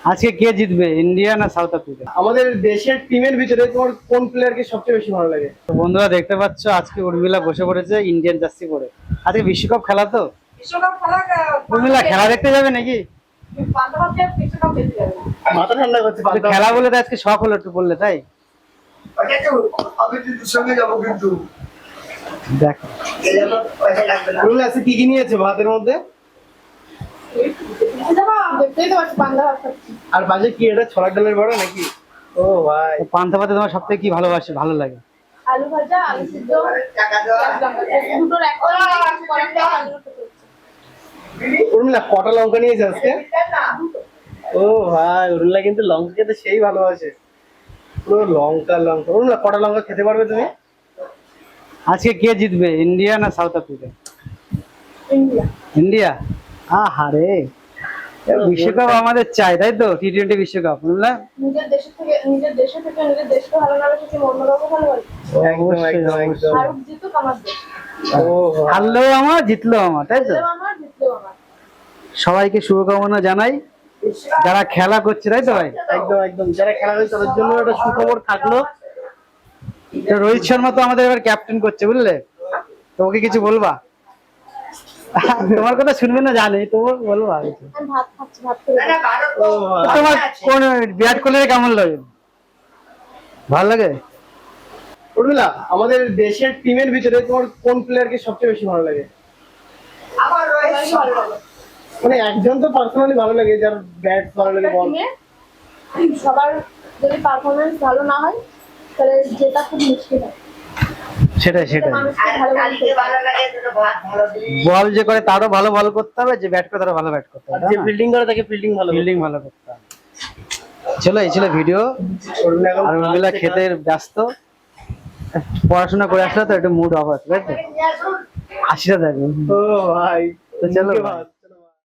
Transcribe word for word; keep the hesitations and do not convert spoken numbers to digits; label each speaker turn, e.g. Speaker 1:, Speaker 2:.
Speaker 1: আজকে কে জিতবে, ইন্ডিয়া না সাউথ আফ্রিকা?
Speaker 2: আমাদের দেশের টিমের ভিতরে তোমার কোন প্লেয়ারকে সবচেয়ে বেশি ভালো লাগে?
Speaker 1: তো বন্ধুরা দেখতে পাচ্ছ আজকে উর্মিলা বসে পড়েছে ইন্ডিয়ান জার্সি পরে। আজকে বিশ্বকাপ খেলা তো,
Speaker 3: বিশ্বকাপ খেলা
Speaker 1: উর্মিলা খেলা দেখতে যাবে নাকি?
Speaker 3: পান্তাভাতে বিশ্বকাপ খেলতে যাবে না।
Speaker 2: মাথা ঠান্ডা করছে
Speaker 1: তো খেলা বলে তো আজকে শখ হলো একটু বললে, তাই
Speaker 4: আমি কিন্তু সঙ্গে যাবো কিন্তু
Speaker 1: দেখ।
Speaker 2: রুল আছে কি কি নিয়েছে ভাতের মধ্যে?
Speaker 3: দেখতেই তো পাচ্ছি পান্তা ভাত খাচ্ছি।
Speaker 2: আর বাজে কি এটা ছোলার ডালের বড়া নাকি? ও ভাই,
Speaker 1: পান্তা ভাতে তোমার সব থেকে কি ভালোবাসে, ভালো লাগে?
Speaker 3: আলু ভাজা, আলু সিদ্ধ, দুটোর একটা করাটা আলু
Speaker 2: উর্মিলা কটা লঙ্কা নিয়েছে আজকে? ও ভাই, উর্মিলা কিন্তু লঙ্কা খেতে সেই ভালোবাসে, পুরো লঙ্কা লঙ্কা। উর্মিলা কটা লঙ্কা খেতে পারবে তুমি?
Speaker 1: আজকে কে জিতবে, ইন্ডিয়া না সাউথ আফ্রিকা?
Speaker 3: ইন্ডিয়া।
Speaker 1: ইন্ডিয়া। আহারে, বিশ্বকাপ আমাদের চাই, তাই তো? টি টোয়েন্টি বিশ্বকাপ, বুঝলে?
Speaker 3: নিজের দেশের থেকে নিজের দেশে থেকে নিজের দেশকে ভালো না বেশি কি অন্য কাউকে ভালোবাসি?
Speaker 2: একদম একদম একদম।
Speaker 3: ভারত জিতুক আমার দেশ।
Speaker 2: ও ভাই,
Speaker 1: হারলেও আমার, জিতলেও আমার, তাই তো?
Speaker 3: জিতলেও আমার, জিতলেও আমার।
Speaker 1: সবাইকে শুভকামনা জানাই যারা খেলা করছে, তাই তো ভাই?
Speaker 2: একদম একদম। যারা খেলা হয়েছে তাদের জন্য একটা সুখবর থাকলো।
Speaker 1: তো রোহিত শর্মা তো আমাদের এবার ক্যাপ্টেন করছে, বুঝলে? তো ওকে কিছু বলবা? তোমার কথা শুনবে না জানি, তো বলবা কিছু?
Speaker 3: আমি ভাত খাচ্ছি, ভাত খেয়ে
Speaker 2: ও
Speaker 1: তো
Speaker 2: ভাই,
Speaker 1: তোমার কোন বিরাট কোহলির কেমন লাগে, ভালো লাগে?
Speaker 2: উর্মিলা আমাদের দেশের টিমের ভিতরে তোমার কোন প্লেয়ারকে সবচেয়ে বেশি ভালো লাগে?
Speaker 3: আমার রয়েছে ভালো লাগে।
Speaker 2: মানে একজন তো পার্সোনালি ভালো লাগে, যার ব্যাট ভালো লাগে, বল।
Speaker 3: টিমে সবার যদি পারফরমেন্স ভালো না হয় তাহলে যেটা খুব মুশকিল হয়।
Speaker 1: সেটাই সেটাই,
Speaker 3: মানুষকে ভালো ভালো
Speaker 1: বল যে করে তারও ভালো বল করতে হবে, যে ব্যাট করে তারও ভালো ব্যাট করতে
Speaker 2: আর
Speaker 1: হবে,
Speaker 2: যে ফিল্ডিং করে তাকে ফিল্ডিং ভালো
Speaker 1: ফিল্ডিং ভালো করতে হবে। চলো, এই ছিল ভিডিও।
Speaker 2: উর্মিলা এখন
Speaker 1: আর উর্মিলা খেতে ব্যস্ত, পড়াশোনা করে আসলে তো একটু মুড অফ আছে, তাই তো? হাসিটা দেখো।
Speaker 2: ও ভাই,
Speaker 1: তো চলো।
Speaker 2: মুখে ভাত।